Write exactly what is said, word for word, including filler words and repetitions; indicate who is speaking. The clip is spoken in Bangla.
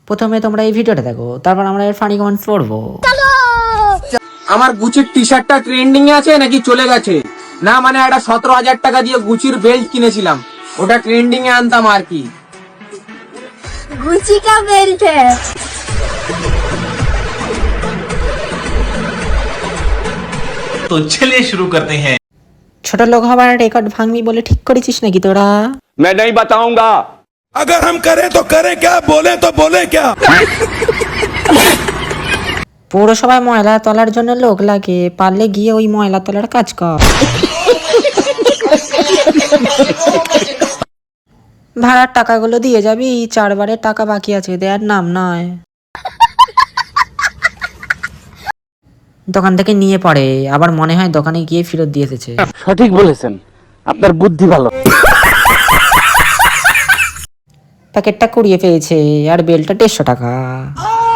Speaker 1: প্রথমে তোমরা এই ভিডিওটা দেখো, তারপর আমরা এর ফানি কমেন্টস পড়বো।
Speaker 2: আমার গুচির টি শার্টটা ট্রেন্ডিং এ আছে নাকি চলে গেছে? না মানে একটা সতেরো হাজার টাকা দিয়ে গুচির বেল্ট কিনেছিলাম, ওটা ট্রেন্ডিং এ আনতাম আর কি।
Speaker 3: गुची का बेल्ट है।
Speaker 4: तो चलिए शुरू करते हैं।
Speaker 1: ছোট লোক হবার রেকর্ড ভাঙবি বলে ঠিক করেছিস নাকি তোরা?
Speaker 5: मैं नहीं बताऊंगा।
Speaker 6: अगर हम करें तो करें क्या, बोले तो बोले क्या।
Speaker 1: পৌরসভায় ময়লা তোলার জন্য লোক লাগে, পারলে গিয়ে ওই ময়লা তোলার কাজ কর। ভাড়ার টাকাগুলো দিয়ে যাবি, চারবারের টাকা বাকি আছে, দেওয়ার নাম নয়। দোকান থেকে নিয়ে পড়ে, আবার মনে হয় দোকানে গিয়ে ফেরত দিয়ে এসেছে।
Speaker 5: সঠিক বলেছেন, আপনার বুদ্ধি ভালো।
Speaker 1: প্যাকেটটা কুড়িয়ে পেয়েছে আর বেলটা দেড়শো টাকা।